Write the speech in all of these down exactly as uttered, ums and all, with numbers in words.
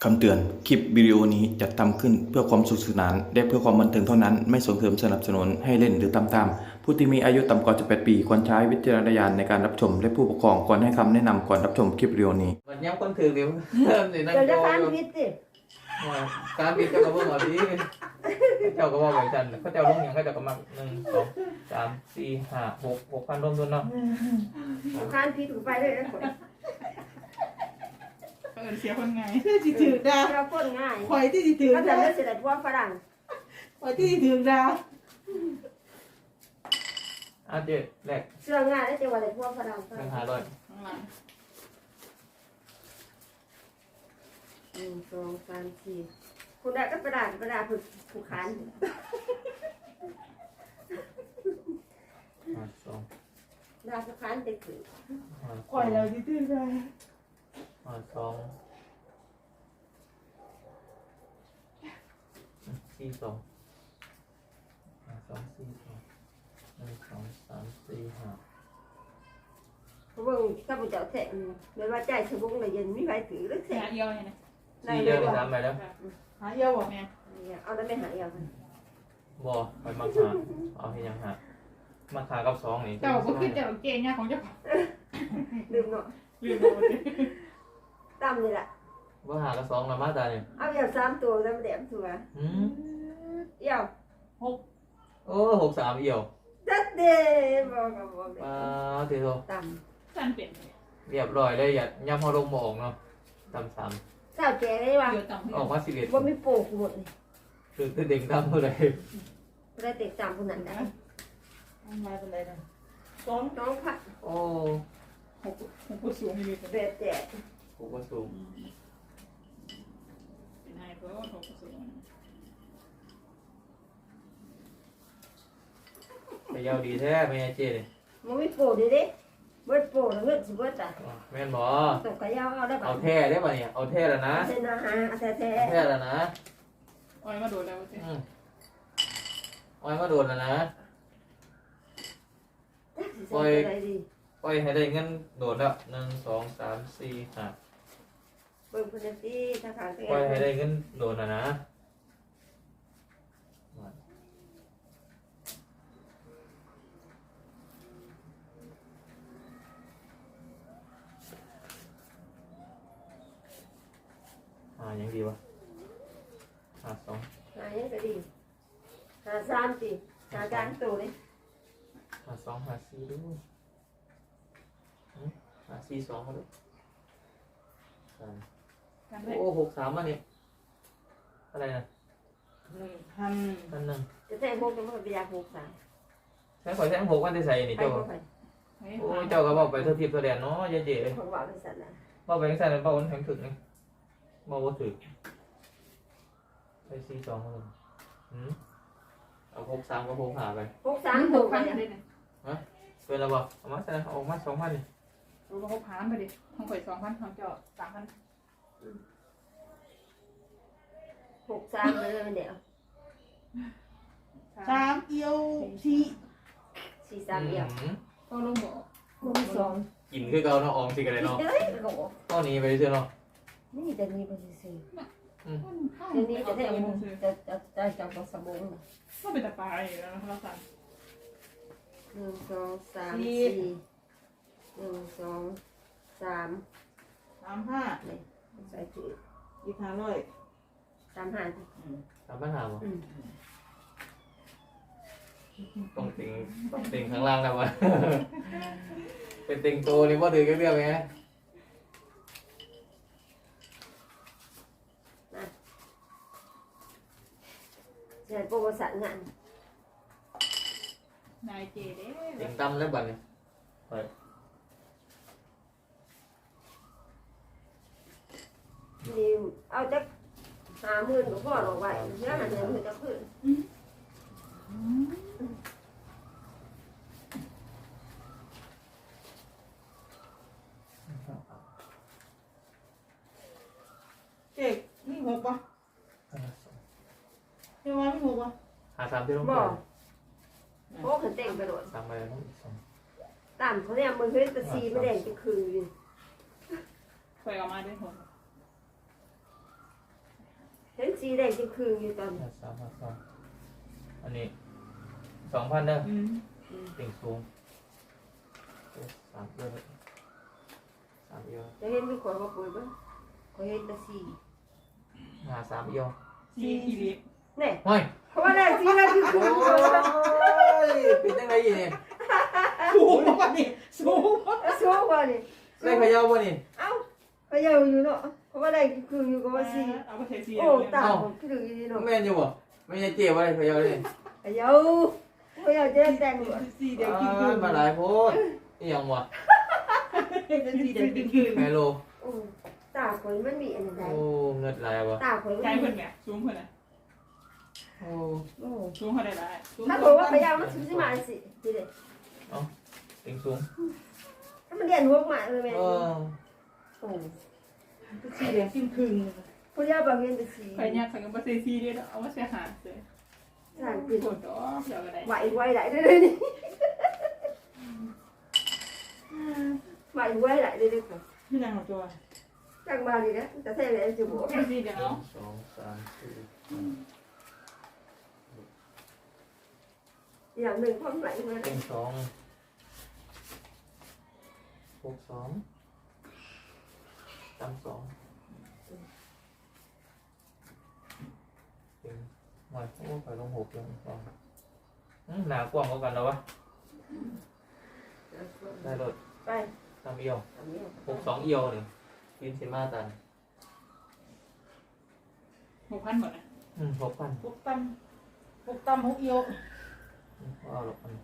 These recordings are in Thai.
คำเตือนคลิปวิดีโอนี้จัดทำขึ้นเพื่อความสนุกสนานและเพื่อความบันเทิงเท่านั้นไม่ส่งเสริมสนับสนุนให้เล่นหรือตามตามผู้ที่มีอายุต่ำกว่าสิบแปดปีควรใช้วิจารณญาณในการรับชมและผู้ปกครองควรให้คำแนะนำก่อนรับชมคลิปวิดีโอนี้มันย้ำคนถือเดี๋ยวเริ่มสินั่งเดี๋ยวโจจะฟันอยู่พิษสิการบินเจ้าก็บอกว่าดีเจ้าก็บอกแบบฉันเขาเจ้าลงอย่างเขาเจ้าก็มาหนึ่งสองสามสี่ห้าหกหกพันรวมทุนเนาะฟันพิษถูกไปเลยนะคนเออเสียคนไงที่ถือดาวเราพ่นง่ายคอยที่ถือก็จะดาวไม่เสียดายพวกฝรั่งคอยที่ถือดาวอ่ะเจ๊แรกเสื้อง่ายแล้วจะว่าแต่พวกฝรั่งหนึ่งห้าร้อยหนึ่งสองสามสี่คุณได้ก็ประดาประดาผูกผูกขันห้าสองดาผูกขันเด็กถือห้าสคออยงเราที่ถือดาวห้าสองสี่สองห้าสองสี่สองหนึ่งสองสามสี่ห้าเพราะว่าข้าพเจ้าแท้ไม่ว่าใจสมุงเลยยันไม่ไหวถือหรือแท้หาเอียวเนี่ยสี่เดียวไปสามไปแล้วหาเอียวบอกแม่เอาแล้วไม่หายเอาบ่ไปมาหาเอาให้ยังหามาขากับสองนี่เจ้าก็คือเจ้าเก่งเนี่ยของเจ้าลืมเนาะลืมเลยตั้มนี่แหละว่าหากับสองละมาตาเนี่ยเอาอย่างสามตัวแล้วมาแดมตัวอืมเอี่ยวหกโอ้หกสามเอี่ยวจัดเด้บอกกับบอกป้าเทีโตตั้มสันเปลี่ยนเรียบร้อยเลยอย่าย่ำพอลงมองเนาะตำสามสาวแก่ได้ว่าเดี๋ยวต่ำออกมาสิบเอ็ดว่าไม่โป่งหมดเลยคือเด็กดำเท่าไหร่ได้เตะจามคนนั้นได้มาเป็นไรนะสองน้องผัดโอ้หกหกผู้สูงมีเป็นเบะแจกหกว่าสูงเป็นไงเพราะว่าหกผู้สูงไปยาวดีแท้ไม่ไงเจ๊เลยมันไม่โป่งดิดิเบิดโป่งแล้วเงินสิเบิดอ่ะแม่นบอตกกระยาวเอาได้ป่ะเอาแท้ได้ป่ะเนี่ยเอาแท้แล้วนะเซนาฮะอาแท้แท้แท้แล้วนะอ้อยมาโดนแล้วเจ้อืมอ้อยมาโดนแล้วนะปล่อยอะไรดีปล่อยให้ได้เงินโดดแล้วหนึ่งสองสามสี่ห้าเบิ่งคนที่ทางการปล่อยให้ได้เงินโดดนะนะอ่ายังดีวะอ่าสองหายังก็ดีหาสามสิหาการตัวเลยหาสองหาสี่ด้วยหาสี่สองมาด้วยสามกันได้โอ้หกสามมาเนี่ยอะไรนะหนึ่งพันพันหนึ่งจะแท้พวกจะมาไปยาหกสามใช้ขอยแท่งหกวันได้ใส่นี่ไปเจ้าพวกไปโอ้ยเจ้าก็บอกไปเท่าทิพย์เท่าแดนเนาะเจ๊เจ๊ของว่าเป็นสัตว์นะบอกไปแค่นั้นบอกวันแข็งถึงนี่บอกว่าถึงใช้สี่สองมาเลยอืมเอาหกสามก็หกหาไปหกสามหหกกพัไปนได้เนี่ยเป็นระบอกเอามาใส่เอาออกมาสองพันนี่รู้ว่าหกพันไปดิของข่อยสองพันของเจ้าสามพันหกสามเลยเดี๋ยวสามเอียวสี่สี่สามเดียวอืมก็ลงบอกคูณสองกินคือเก่าเนาะออมสิกันเลยเนาะเฮ้ยโอ้โหตอนนี้ไปเชื่อเนาะนี่จะมีเป็นสี่อืมเดี๋ยวนี้จะได้จะจะจะจับสบู่ก็เป็นตะปายอยู่แล้วนะเราสั่งหนึ่งสองสามสี่หนึ่งสองสามสามห้านี่ใส่ถุงอีกห้าร้อยสามห้าสามปัญหาบ่อืมต้องติงต้องติงข้างล่างแล้ววะ เป็นติงโตนี่ว่าถือกันเรื่องไงเดี๋ยวโปรโมชั่นงานนายเจเด้ติงตั้มแล้วบัดเนี่ยไปนี่เอาจะหาหมื่นก็พอหรอกไว้เนื้อหาเงินมันจะขึ้นเจ๊นี่หกป่ะเจ๊ว่าไม่หกป่ะหาสามที่ต้องบไปอกโอ้ขันเต่งไปโดดสามไปแล้วอีกสองตามเขาเนี่ยมึงเฮ้ยตะซีไม่แดงจะคืนไปออกมาด้วยหกหสีแดงจะคืนอยู่ตอนห้าสามห้าสองอันนี้สองพันเด้ออืมติ่งสูงสามเอียวสามเอียวจะเห็นมีคนมาปุ๋ยบ้างเขาเห็นแต่สีหาสามเอียวสี่อีหลีเนี่ยเฮ้ยเพราะว่าแดงสีแดงจะคืนโอ้ยเป็นยังไงอีนี่สูงกว่านี่สูงสู้กว่านี่ได้ขย่าวบ่นี่เอ้าพยายามอยู่เนาะเพราะว่าแดงจะคืนอยู่กับว่าสีเอาไปใส่สีโอ้ตาผมคืออยู่ดีเนาะแม่นอยู่บ่ไม่ใช่เจ็บอะไรขย่าวเลยพยายามพยายามจะแต่งหมดสีแดงกินอ่ามาหลายโพดอีหยังบ่เป็นสีแดงกินคืนไฮโลโอ้ตาคนมันมีอันใดโอ้เงิดหลายบ่ตาคนใจมันเพิ่นแหม่สูงเพิ่นน่ะโอ้โอ้สูงเท่าใดล่ะสูงถ้าบอกว่าพยายามมันสิมาสิทีเดียวติ่งสูงถ้ามันเรียนหัวมาเลยแม่เออโอ้สีแดงกินคืนพยายามบางเรียนแต่สีใครอยากใส่กับบ่ใส่สีเด้อเอามาใส่หาเด้อสร้างโคปิดตรดอกเดี๋ยวก็ได้ไหวไหวไหลได้เลยนี่ไหวไหวไหลได้เลยค่ะพี่นางของตัวจังมาดีนะแต่แท้เลยจะบอกเป็นสีเดียวหนึ่งสองสามสี่อย่างหนึ่งความไหลมาติ่งสองหกสองตั้มสองติ่งหน่อยโอ้ไปลงหกลงสองอืมหนากว้างกว่ากันแล้ววะได้รถไปตั้มเอียวอันนี้หกสองเอียวนี่ฟินซิมาตันหกพันหมดนะอืมหกพันหกตั้มหกตั้มหกเอียวเอาหรอกมัน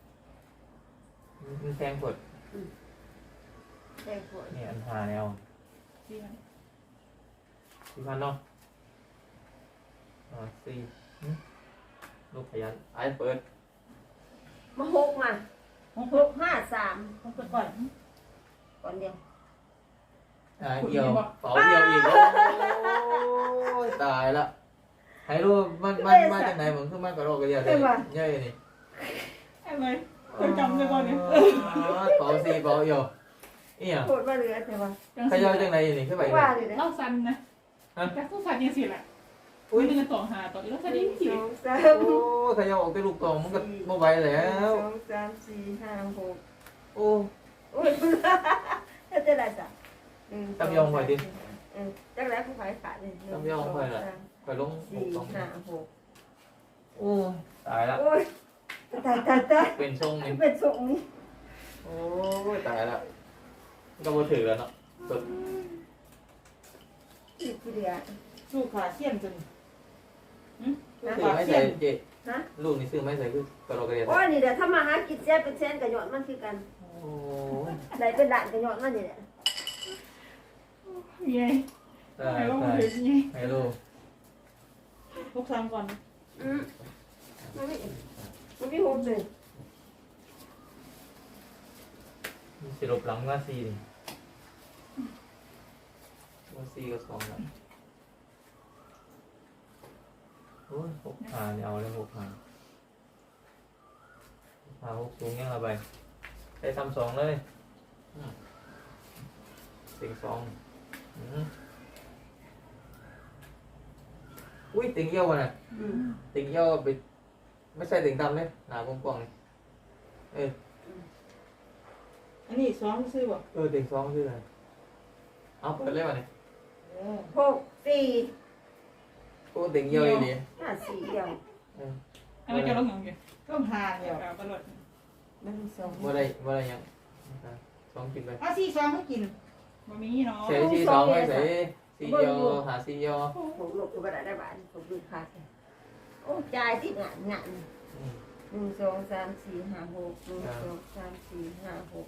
มันแพงกดแดงปวดนี่อันหาแนวสี่พันสี่พันเนาะอ่าสี่หึลูกขยันไอ้เปิดมาหกมาหกห้าสามหกก่อนก่อนเดียวอ่าเอียวเป๋าเอียวอีกโอ้ยตายละให้รู้มันมันมาจากไหนเหมือนขึ้นมากระโดดกระเดียดเลยเย้ยนี่ไอ้เว้ยเคยจำได้บ่เนี่ยเป๋าสี่เป๋าเอียวอีหยังโคตรมาเหลือแต่ว่าขยันจังไหนนี่ขึ้นไปว่าเลยนะเล่าสั้นนะแต่ผู้ชายยังสิแหละอุ้ยมันจะต่อหาต่ออีกแล้วหจะนึ่ดิ้งนสิสองสาโอ้มขยันออกไปลูกตองมันก็บ่ไหวแล้วสองสามสี่ห้าหกโอ้โอ้ยถ้าจะได้จ้ะจักแล้วผู้ขายขาดเลยไปลงหสี่กสองห้าหกโอ้ตายละโอ้ยตายตายตายเป็นทรงนี่เป็นทรงนี้โอ้ยตายละก็บ่ถือแล้วเนาะสุดอีกทีเดียวลูกขาเสี้ยนจนซื้อไม่ใส่เจนะลูกนี่ซื้อไม่ใส่คือกระโดดกระเดียดโอ้ยนี่เดี๋ยวถ้ามาหากินแซ่เป็นแซนกับหยอดมันคือกันโอ้ยได้เป็นด่านกับหยอดมันนี่แหละยัยตายไอ้ว่าตายมันยังให้ลูกลูกสามก่อนอืมมันไม่มันไม่หกเลยมีสิลบหลังว่าสี่นี่ว่าสี่กับสองละโอ้ยหกหาเนี่ยเอาเลยหกหาหาหกสูงยังละไปใช้ทำสองเลยติ่งสองอืมอุ้ยติ่งเยี่ยววะเนี่ยอืมติ่งเยี่ยวไปไม่ใช่ติ่งดำเลยหนากว้างๆเลยเอออันนี้สองซื้อบ่เออติ่งสองชื่ออะไรเอาเปิดเลยวะเนี่ยหกสี่โอ้ติ่งเยี่ยวอยู่ดีห้าสี่เดียวเอออันนี้จะลงยังไงต้องหาเดี๋เดียยว วตลอดหนึ่งสองว่าได้ว่าได้ยังสองกินไปเอาสี่ซองให้กินบ่มีเนาะใส่ที่สองไว้ใส่สี่เยี่ยวหาสี่เยี่ยวผมหลบตัวกระดาษได้บ้านผมดูขาดโอ้จ่ายที่งานงานอืมหนึ่งสองสามสี่ห้าหกหนึ่งสองสามสี่ห้าหก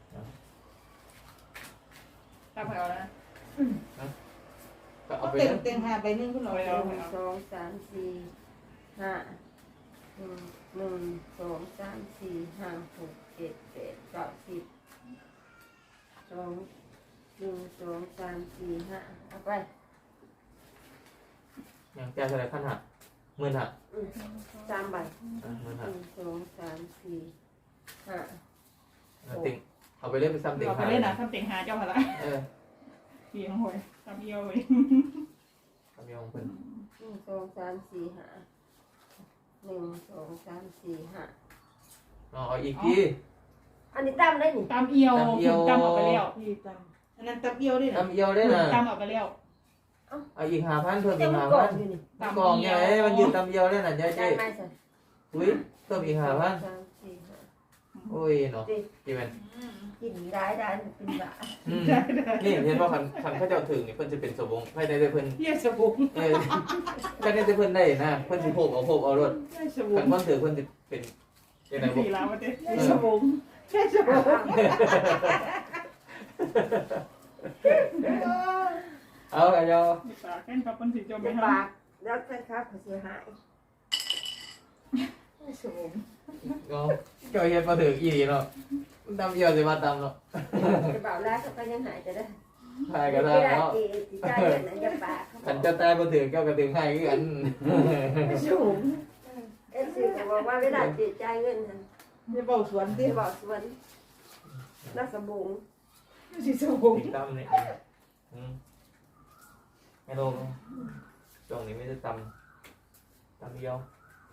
ตามไปเอาแล้วก็เอาเอาไปเต็เลมยเต็มหาใบหนึงขึ้นหน่อยหนึ่งสองสามสี่ห้าหนึ่งหนึ่งสองสามสี่ห้าหกเจ็ดแปดเก้าสิบสองหนึ่งสองสามสี่ห้าเอาไปยังแก้เท่าไรขั้นหักหมื่นหักอืมสามใบอ่ะหมื่นหหักนึ่งสองสามสี่ห้าเอาติ่งเอาไปเล่นไปซ้ำติ่งเราไปหาเล่นนะทำเต็งหาเจ้าพละเออสี่ของหวยทำเอียวไปทำยองเพิ่นหนึ่งสองสามสี่ห้าหนึ่งสองสามสี่ห้าเอาอีกทีอันนี้ตั้มได้นี่ตามเอียวตามออกไปแล้วพี่ตำอันนั้นตำเอียวด้วยนะทำเอียวได้นะตามออกไปแล้วเอาอีกห้าพันเพิ่มอีจะกมันห้ากอพัดนอยู่นี่กองไงมันยืนทำเอียวได้น่ะเจ๊ได้เจ๊ไหมสิอุ้ยเพิ่มอีกห้าพันสามสี่ห้าโอ้ยเนาะกี่เป็นกินได้ได้เป็นบ้าอืมนี่เห็นว่าคันคันเขาเจ้าถึงนี่เพิ่นจะเป็นสบงให้ได้แต่เพิ่นเยี่ยสบู่เออคันได้แต่เพิ่นได้นะเพิ่นสิโพกเอาโพกเอารถเยี่ยสบู่คันเพิ่นถือเพิ่นสิเป็นยังไงบ่สี่แล้วมาเด้เยี่ยสบู่เยี่ยสบู่เอาเอาเอาปากแค่กับคนสิจมไปจะทปากแล้วแฟนครับเขาเสียหายสมเอาเจ้าเฮ็ดบ่ถึกอีหลีเนาะมันทำเอียวสิมาตำเนาะจะบอกแล้วก็ยังหายจะได้ทายก็ได้ไม่ได้เนาะจีจีใจอย่างนั้นจะปากคันเจ้าตายบ่ถึกเจ้าก็ถึงให้คือกันสูงเอฟซีก็บอกว่าเวลาจีใจเงินนั้นเยี่ยเบาสวนที่ที่บอกสวนนักสบุงสิสบู่ติดตำนี่อืมให้ลงช่วงนี้ไม่ได้ตำตำเอียว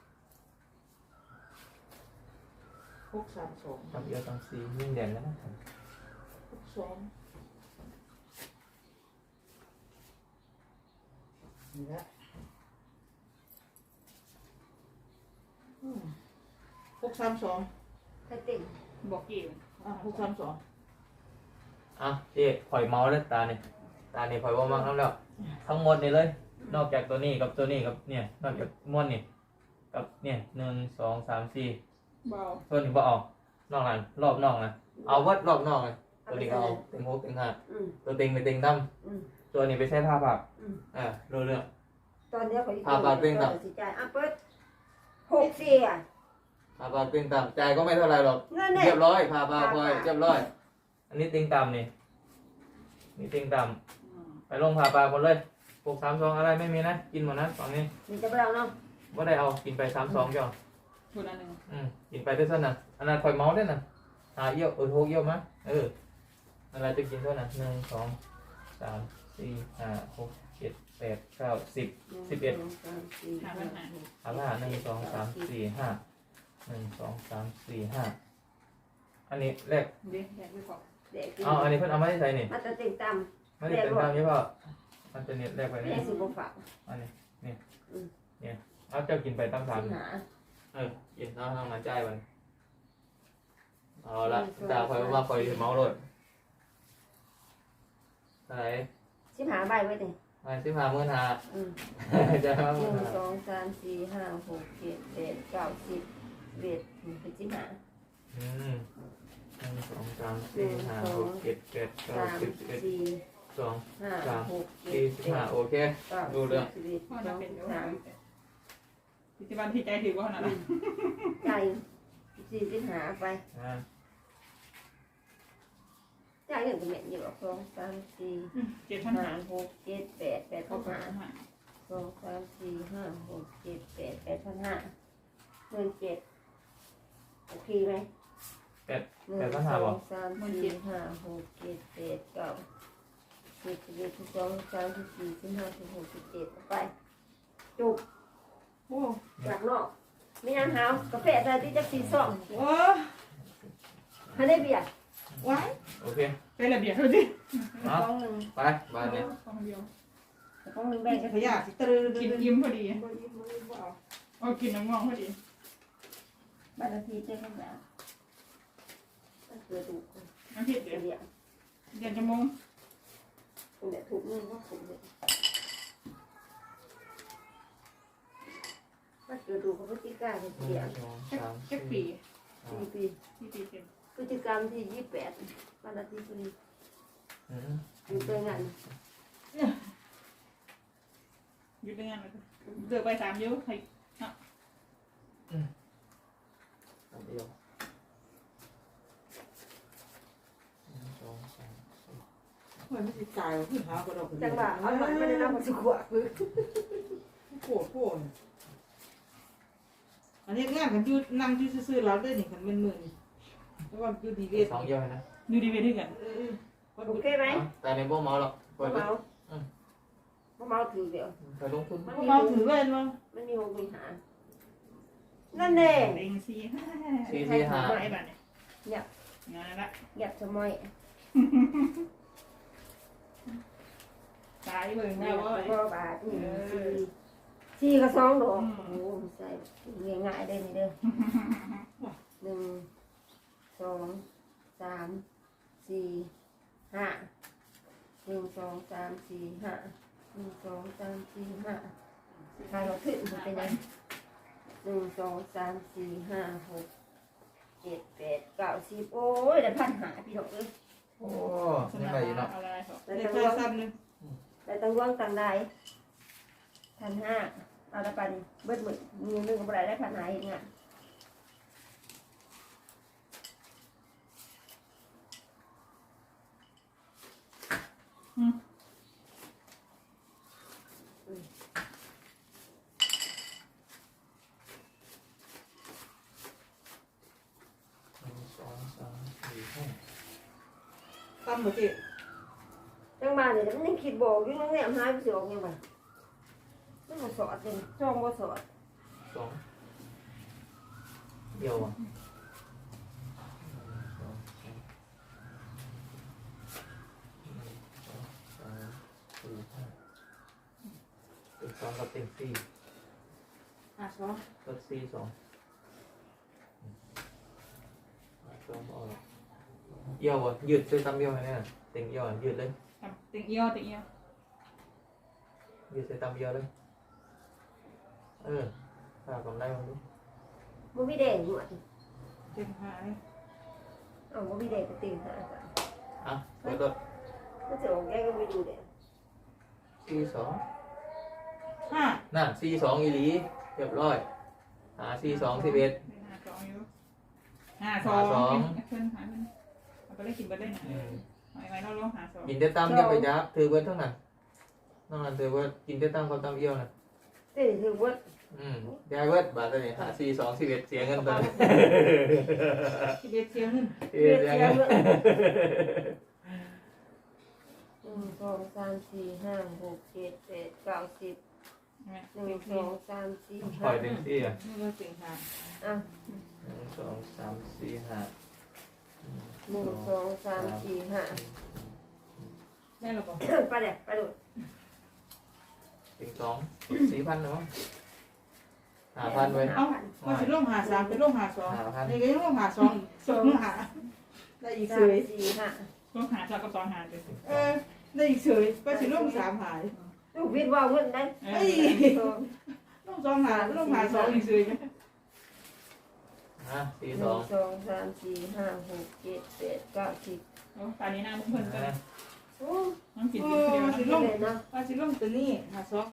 หกสามสองตำเอียวตำซียิ่งเด่นแล้วนะหกสองนี่ละอืมหกสามสองใครติ่งำบอกเกี่ยวอ่ะหกสามสองอ่ะเจ๊ข่อยเมาแล้วตาเนี่ยตาเนี่ยข่อยว่ามากน้ำแล้วทั้งหมดนี่เลย นอกจากตัวนี้กับตัวนี้กับเนี่ยนอกจากม้วนนี่กับเนี่ยหนึ่งสองสามสี่เบาตัวนี้บ่เอานอกนั้นรอบนอกนะเอาวัดรอบนอกเลยตัวนี้ก็เอาเต็งหกเต็งห้าอืมตัวเต็งไปเต็งตั้มอืมตัวนี้ไปใช้ผ้าผักอืมอ่ารู้เรื่องตอนนี้เขาพาปากเต้นต่ำสิใจอ่ะเปิดหกสี่อ่ะผ้าผักเต็งต่ำจ่ายก็ไม่เท่าไรหรอกนั่นเนี่ยเรียบร้อยผ้าผักพลอยเรียบร้อย อันนี้เต็งต่ำนี่นี่เต็งต่ำไปลงผ้าปากหมดเลยหกสามสองอะไรไม่มีนะกินหมดนะฝั่งนี้มีจะไปเอาเนาะว่าได้เอากินไปสามสองจ้ะคนละหนึ่งอืมกินไปได้เท่านั้นอันนั้นคอยเมาส์ได้น่ะหาเยี่ยวเออโทเยี่ยวมะเอออะไรจะกินเท่านั้นหนึ่งสองสามสี่ห้าหกเจ็ดแปดเก้าสิบ สิบเอ็ดหนึ่งสองสามสี่ห้าหกเอาละหนึ่งสองสามสี่ห้าหนึ่งสองสามสี่ห้าอันนี้แรกเด็กแยกไปก่อนเด็กกินเอาอันนี้เพิ่นเอามาที่ใส่นี่มาจะติ่งตไม่ได้เป็นตามนี้เปล่ามันจะเนี่ยแรกไปำนี่แม่สิบฝากอันนี้นี่เนี่ยเอาเจ้ากินไปตามสามสิหาเออกินเอาทางมาจ่ายมันเอาละตาคอยว่าคอยเมาโลดอะไรสิหาใบไว้ดิมาสิบห้าหมื่นห้าอืมจะเอาหนึ่งสองสามสี่ห้าหกเจ็ดแปดเก้าสิบเอ็ดเป็นสิบห้าอืมหนึ่งสองสามสี่ห้าหกเจ็ดแปดเก้าสามสิบสิบเอ็ดสี่สองห้าสามหกเจ็สี่ดสิบแปห้าดโอเคเก้าดูเรื่องสิบเอ็ดพ่อสจะองเป็นเดี๋ยวสามพิจารณาที่ใจถือว่าขนาดนั้นใจสี่สิบห้าไปอ่าจ่ายเงินกับแม่อยู่สองสามสี่เจ็ดพันห้าหาหกเจ็ดแปดแปดเข้าพันไปห้าสองสามสี่ห้าหกเจ็ดแปดแปดพันห้าหมื่นเจ็ดโอเคไหมแปดหนึ่งแปดพันสห้าอบ่งสามสี่ห้าหกเจ็ดแปดเก้าสิบสิบเอ็ดสิบสองสิบสามสิบสี่สิบห้าสิบหกสิบเจ็ดไปจุกโอ้จากนอกไม่ยังหาวกาแฟใส่ที่จะสีส้มโหฮันได้เบียร์ไว้โอเคเป็นระเบียบเท่าที่เอาฟองหนึ่งไปบ้านนี้สองเดียวฟองหนึ่งแบ่งกันขยะสิตรึกินอิ่มพอดีเอากินน้ำงองพอดีบ้านละทีเจ้าข้างหลังมันเกิดถูกน้ำพริกเดีเดี๋ยวยวเย็นจะมงคุณเนี่ยถูกเงินก็ถูกเลยมันเกิดถูกกับพฤติกรรมหนึ่เสียงสองแค่สามแค่สี่ปีสี่ปีที่ปีเต็มพฤติกรรมที่ยี่สิบแปดบ้านละทีคนนี้อืมอยู่ตัวงานหยุดได้งานเลยเดือไปสามยิ้วใครอันเดียวหนึ่งสองสามสี่มันไม่สิตายขึ้นหากระดอกจังหวะเอาหน่อยไม่ได้รับมาสุขวะคือโคตรโคตรอันนี้งานกันอยู่นั่งอยู่ซื่อๆเราได้นี่กันเป็นหมื่นแล้วว่าอยู่ดีเวทสองเดียวนะดูดีเวด้วยกันเออโอเคไหมแต่ในพวกเมาหรอกบ่เมาบ่เมาถือเดียวไปลงทุนมันพวกมีเราถือเล่นมั้งมันมีหกมีหานั่นแน่เต็งสี่ห้าสี่สี่ห้าไอ้บ้านเนี่ยหยับงานละหยับสมัยตายเบิ่งหแล้ยัวบว่าก็บาทนี่สี่สี่ก็สองดอกโอ้โหใส่ง่ายๆได้นี่เด้อหนึ่งสองสามสี่ห้าหนึ่งสองสามสี่ห้าหนึ่งสองสามสี่ห้าใครเราขึ้นมันเป็นยังหนึ่งสองสามสี่ห้าหกเจ็ดแปดเก้าสิบโอ้ยได้พันหาพี่น้องเอ้ยโอ้ยังไงอยู่เนาะอะไรเหรอได้ในตั้งโทวรง ศัพท์นึงได้ตั้งวงตั้งได้พันห้าเอาละปันเบิดหมื่นมีหนึ่งก็บ่ได้ได้พันหาเองอ่ะหนึ่งสองสามสี่ห้าตั้มหมดจีจังมาเนี่ยมันยังคิดบอกอยู่นั่งแนมหายไปสิออกยังไงมันบ่สอดเลยจ้องบ่สอดสองเดียวอ่ะหนึ่งสองสามสี่ห้าเต็งสองกับเต็งสี่อ่ะสองลดสี่สองสองเอาละเอี่ยวอ่ะยืดช่วยตำเอี่ยวให้แน่เต็งเอี่ยวอ่ะยืดเลยเต็งเอียวเต็งเอียวยืดใส่ตำเอี่ยวเลยเออถ้ากำไรมันดูบ่มีแดงอยู่อ่ะเต็มหายเอาบ่มีแดงไปตีหากันอ่ะเปิดรถมันจะออกแกก็ไม่ดูแดงสี่สองห้านั่นสี่สองอีหลีเรียบร้อยหาสี่สองสิบเอ็ดห้าสองอยู่ห้าสองเพิ่นหามันเอาไปเล่นกินไปเล่นนะไอ้ไว้เราลงหาสองกินได้ตามเดียวไปยับถือเบิร์ดเท่านั้นนอกนั้นถือเบิร์ดกินได้ตามความตามเอี่ยวนะเต้ถือว่าอืมยายเบิร์ดบาทตัวนี้หาสี่สองสิบเอ็ดเสียเงินตัวนี้สิบเอ็ดเสียงขึ้นเสียเสียเงินหนึ่งสองสามสี่ห้าหกเจ็ดแปดเก้าสิบใช่ไหมหนึ่งสองสามสี่ปล่ห้าอยเต็มที่อ่ะนี่ก็เต็มหายอ่ะหนึ่งสองสามสี่ห้าหนึ่งสองสามสี่ห้าได้หรอเปล่าไปเลยไปดูถึงสองสี่พันเนาะหาพันไว้เอ้าว่าสิลงหาสามเป็นลงหาสองหาพันนี่ก็ยังลงหาสองอีกสองหาได้อีกสาเฉมยสี่ห้าลงหาสองกับสองหาเลยเออได้อีกเฉยก็สิลงสามหายลูกวิทย์ว่าเงินได้เอ้ยลงสองหาลงหาสองอีกเฉยไหมฮะสี่หสนึ่อง งสองสามสี่ห้าหกเจ็ดแปดเก้าสิบตอนนี้น้ำเพิ่นกันโอ้ต้องกินโอ้กินเดียวสินะลงเด่นนะว่าสิลงตัวนี้หาสอง